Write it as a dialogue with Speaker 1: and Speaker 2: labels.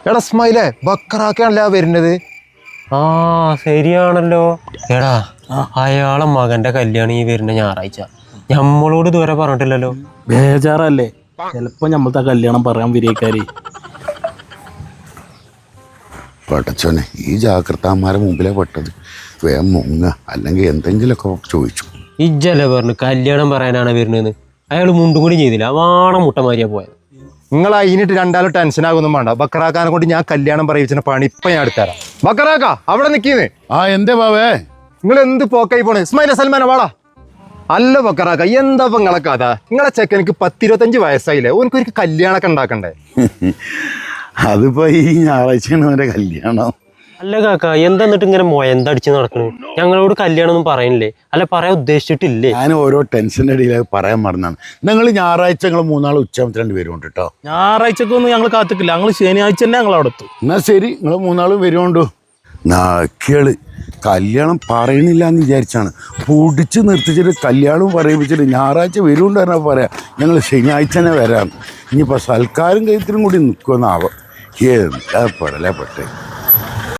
Speaker 1: എടാ സ്മൈലേ ബക്കറാക്കാണല്ലേ വരുന്നത്.
Speaker 2: ആ ശരിയാണല്ലോ. എടാ അയാളെ മകന്റെ കല്യാണം ഈ വരുന്ന ഞായറാഴ്ച. നമ്മളോട് ഇതുവരെ പറഞ്ഞിട്ടില്ലല്ലോ.
Speaker 3: ബേജാറല്ലേ, ചിലപ്പോ നമ്മളത്തെ കല്യാണം പറയാൻ വിരേക്കാരി.
Speaker 4: പടച്ചോനെ, ഈ ജാഗ്രതാന്മാരെ മുമ്പിലെ പെട്ടത്. വേഗം മുങ്ങ, അല്ലെങ്കിൽ എന്തെങ്കിലുമൊക്കെ ചോദിച്ചു.
Speaker 2: ഇജ്ജല്ലേ പറഞ്ഞു കല്യാണം പറയാനാണ് വരുന്നതെന്ന്. അയാൾ മുണ്ടും കൂടി ചെയ്തില്ല, വാണ മുട്ടമാരിയാ പോയത്.
Speaker 1: നിങ്ങൾ അതിനിട്ട് രണ്ടാളും ടെൻഷൻ ആകൊന്നും വേണ്ട. ബക്കറാക്കാനെ കൊണ്ട് ഞാൻ കല്യാണം പറയിച്ച പണി ഇപ്പൊ ഞാൻ എടുത്തരാം. ബക്കറാക്ക അവിടെ നിൽക്കുന്നേ.
Speaker 4: ആ എന്തേ ബാവേ,
Speaker 1: നിങ്ങൾ എന്ത് പോക്കായി പോണേ? ഇസ്മായിലെ സൽമാന വാടാ. അല്ല ബക്കറാക്ക, എന്താ ഇപ്പൊ നിങ്ങളെ കഥ? നിങ്ങളെ ചെക്കനിക്ക് 10-25 വയസ്സായില്ലേ, ഓനക്കൊരു കല്യാണമൊക്കെ ഉണ്ടാക്കണ്ടേ?
Speaker 4: അതിപ്പോ ഈ ഞായറാഴ്ചയാണ് അവന്റെ കല്യാണം.
Speaker 2: അല്ല കാക്ക, എന്താ എന്നിട്ട് ഇങ്ങനെ മൊയന്തടിച്ച് നടക്കണു? ഞങ്ങളോട് കല്യാണം ഒന്നും പറയണില്ലേ? അല്ല പറയാൻ ഉദ്ദേശിച്ചിട്ടില്ലേ?
Speaker 4: ഞാൻ ഓരോ ടെൻഷൻ്റെ ഇടയിൽ പറയാൻ മറന്നാണ്. നിങ്ങൾ ഞായറാഴ്ച ഞങ്ങൾ 3 ഉച്ചയാകുമ്പോൾ വരുന്നുണ്ട് കേട്ടോ.
Speaker 3: ഞായറാഴ്ചക്കൊന്നും ഞങ്ങൾ കാത്തിക്കില്ല, ഞങ്ങൾ ശനിയാഴ്ച തന്നെ ഞങ്ങൾ അവിടെ എത്തും.
Speaker 4: എന്നാ ശരി, നിങ്ങൾ 3 വരുന്നുണ്ടോ. നാക്കിയാള് കല്യാണം പറയണില്ല എന്ന് വിചാരിച്ചാണ് പൊടിച്ച് നിർത്തിച്ചിട്ട് കല്യാണവും പറയിപ്പിച്ചിട്ട് ഞായറാഴ്ച വരുന്നുണ്ട് പറഞ്ഞാൽ പറയാം ഞങ്ങൾ ശനിയാഴ്ച തന്നെ വരാം. ഇനിയിപ്പോൾ സൽക്കാരം കയത്തിനും കൂടി നിൽക്കുമെന്നാവാം. എന്താ പെടലേ പെട്ടേ.